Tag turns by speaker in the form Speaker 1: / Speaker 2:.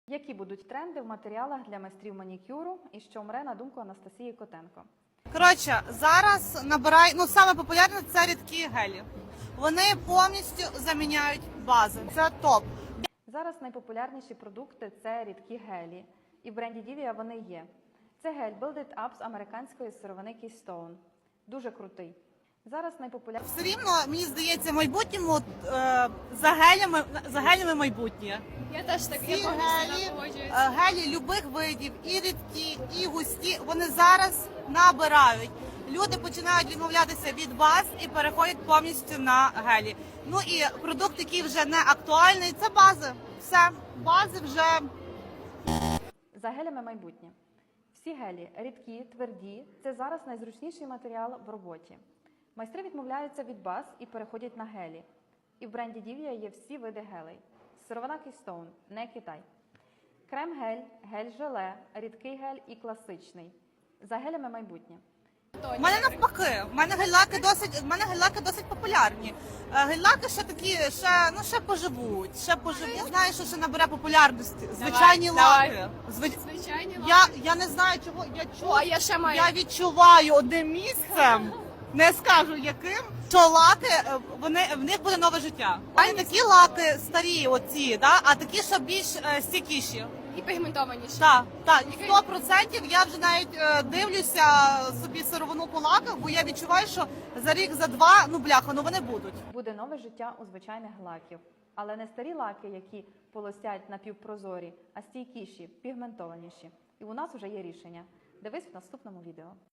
Speaker 1: Які будуть тренди в матеріалах для майстрів манікюру і що мре на думку Анастасії Котенко?
Speaker 2: Коротше, зараз саме популярне це рідкі гелі. Вони повністю заміняють бази. Це топ.
Speaker 1: Зараз найпопулярніші продукти – це рідкі гелі. І в бренді Divia вони є. Це гель Build It Up з американської сировини Keystone. Дуже крутий. Зараз найпопулярніші...
Speaker 2: Все рівно, мені здається, в майбутньому за гелями майбутнє.
Speaker 3: Я теж так, я
Speaker 2: Ці
Speaker 3: повністю погоджуюсь.
Speaker 2: гелі любих видів, і рідкі, і густі, вони зараз набирають. Люди починають відмовлятися від баз і переходять повністю на гелі. Ну і продукт, який вже не актуальний, це бази. Все, бази вже...
Speaker 1: За гелями майбутнє. Всі гелі рідкі, тверді – це зараз найзручніший матеріал в роботі. Майстри відмовляються від баз і переходять на гелі. І в бренді Divia є всі види гелей. Сировина Keystone, не Китай. Крем-гель, гель-желе, рідкий гель і класичний. За гелями майбутнє.
Speaker 2: У мене навпаки, в мене гель-лаки досить популярні. Гель-лаки ще такі, ще поживуть. Я знаю, що ще набере популярності. Звичайні лаки.
Speaker 3: Звичайні лаки.
Speaker 2: Я не знаю, чого.
Speaker 3: Я ще маю.
Speaker 2: Я відчуваю одним місцем, не скажу яким, що лаки, в них буде нове життя. А не такі лаки старі оці, да? А такі, що більш стійкіші.
Speaker 3: І пігментованіші.
Speaker 2: Так, 100% я вже навіть дивлюся собі сировину по лаках, бо я відчуваю, що за рік, за два, вони будуть.
Speaker 1: Буде нове життя у звичайних лаків. Але не старі лаки, які полосять напівпрозорі, а стійкіші, пігментованіші. І у нас вже є рішення. Дивись в наступному відео.